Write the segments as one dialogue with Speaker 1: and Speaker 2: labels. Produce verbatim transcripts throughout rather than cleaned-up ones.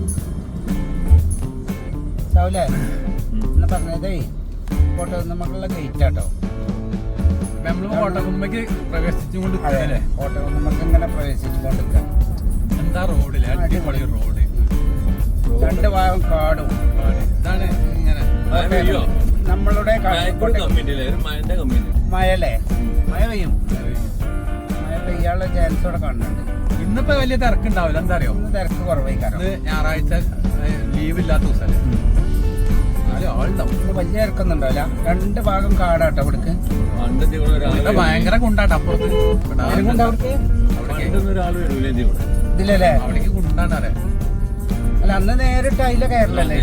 Speaker 1: സാവൂലേ എന്നാ പറഞ്ഞതേ കോട്ടകുന്നമ്മക്കുള്ള ഗേറ്റ് ആട്ടോ.
Speaker 2: നമ്മള് കോട്ടകുന്നമ്മക്ക് പ്രവേശിച്ചുകൊണ്ട്
Speaker 1: അതെ കോട്ടകുന്നമ്മക്ക് ഇങ്ങനെ പ്രവേശിച്ചുകൊണ്ടിരിക്കാം.
Speaker 2: എന്താ റോഡില് അടിപൊളി റോഡ്,
Speaker 1: രണ്ട് ഭാഗം കാടും.
Speaker 2: ഇതാണ് ഇങ്ങനെ
Speaker 1: നമ്മളുടെ മഴല്ലേ മഴ പെയ്യും, മഴ പെയ്യാനുള്ള ചാൻസ് ഇവിടെ കാണുന്നുണ്ട്.
Speaker 2: ഇന്നിപ്പോ വലിയ തിരക്കുണ്ടാവില്ല. എന്താ അറിയോ,
Speaker 1: ഇന്ന് തിരക്ക് കുറവായി. കാരണം
Speaker 2: ഞായറാഴ്ച ലീവ് ഇല്ലാത്ത ദിവസമല്ലേ, ആളുണ്ടാവും.
Speaker 1: ഇന്ന് വലിയ തിരക്കൊന്നും ഉണ്ടാവില്ല. രണ്ട് ഭാഗം കാടാട്ടോ ഇവിടക്ക്.
Speaker 2: ഭയങ്കര കുണ്ടാട്ടോ അപ്പുറത്ത്.
Speaker 1: ഇതിലല്ലേ
Speaker 2: അവിടേക്ക് കുണ്ടാണ് അറിയാം.
Speaker 1: അല്ല അന്ന് നേരിട്ട് അതിലെ കയറില്ലല്ലേ.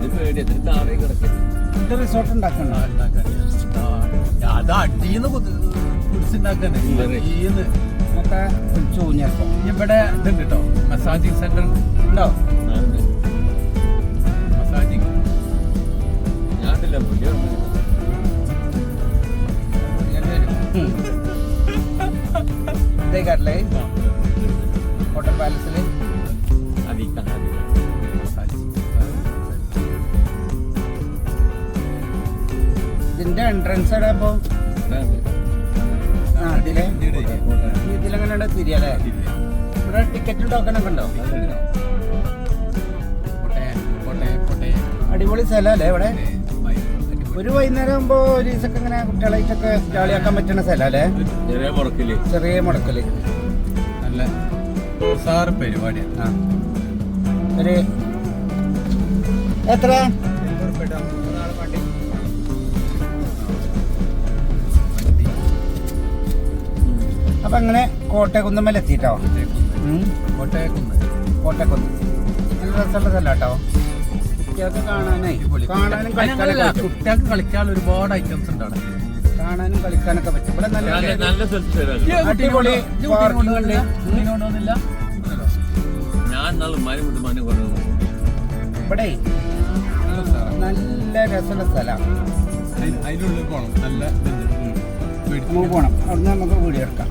Speaker 1: ഇത് റിസോർട്ട് ഉണ്ടാക്കണ്ട.
Speaker 2: അത് അടിയെന്ന് കുടിച്ചുണ്ടാക്കന്നെ
Speaker 1: ഒക്കെ വിളിച്ചു ഊഞ്ഞപ്പോ.
Speaker 2: ഇവിടെ ഇതുണ്ട് കേട്ടോ, മസാജിങ് സെന്റർ
Speaker 1: ഉണ്ടോ?
Speaker 2: മസാജിങ്
Speaker 1: ഇതേക്കാട്ടില്ലേ കോട്ടൺ പാലസില് ഇതിന്റെ എൻട്രൻസ് എവിടെ അപ്പൊ? ഇതിലെങ്ങനെ തിരിയല്ലേ? ഇവിടെ ടിക്കറ്റ് ടോക്കൺ ഒക്കെ ഉണ്ടോ? അടിപൊളി സ്ഥലല്ലേ ഇവിടെ. ഒരു വൈകുന്നേരം ആകുമ്പോ ഒരു ദിവസമൊക്കെ ഇങ്ങനെ കുട്ടികളായിട്ടൊക്കെ ജാളിയാക്കാൻ പറ്റുന്ന സ്ഥലല്ലേ. ചെറിയ മുടക്കല്
Speaker 2: നല്ല ഉസാറ് പരിപാടിയാണ്.
Speaker 1: ഒരു എത്ര അപ്പൊ അങ്ങനെ കോട്ടയക്കുന്നമ്മൽ എത്തിട്ടോ.
Speaker 2: കോട്ടയക്കുന്ന്
Speaker 1: കോട്ടയക്കുന്ന് നല്ല രസമുള്ള സ്ഥലം കേട്ടോ. കുട്ടികൾക്ക് കാണാനേ കാണാനും കളിക്കാനൊക്കെ
Speaker 2: കുട്ടികൾക്ക് കളിക്കാൻ ഒരുപാട് ഐറ്റംസ് ഉണ്ട് അവിടെ.
Speaker 1: കാണാനും കളിക്കാനൊക്കെ പറ്റും. ഇവിടെ നല്ല അടിപൊളി ഇവിടെ നല്ല രസമുള്ള സ്ഥലമാണ്.
Speaker 2: അതിനുള്ളിൽ പോണം, നല്ല
Speaker 1: പോണം. അവിടുന്ന് നമുക്ക് വീഡിയോ എടുക്കാം.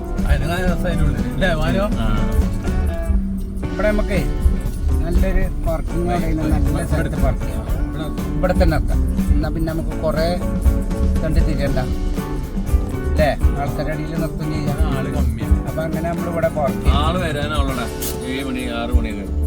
Speaker 1: ഇവിടെ നമുക്ക് നല്ലൊരു പാർക്കിംഗ് നല്ല സ്ഥലത്ത് പാർക്ക് ചെയ്യാം. ഇവിടെ തന്നെ എത്താം. എന്നാ പിന്നെ നമുക്ക് കുറെ കണ്ട് തിരിയണ്ട അല്ലേ. ആൾക്കാരുടെ അടിയിൽ നിർത്തും ചെയ്യാം.
Speaker 2: ആള് കമ്മിയാണ്.
Speaker 1: അപ്പൊ അങ്ങനെ നമ്മൾ ഇവിടെ പാർക്ക് ചെയ്യും.
Speaker 3: ആള് വരാനുള്ള ഏഴ് മണി ആറ് മണിയൊക്കെ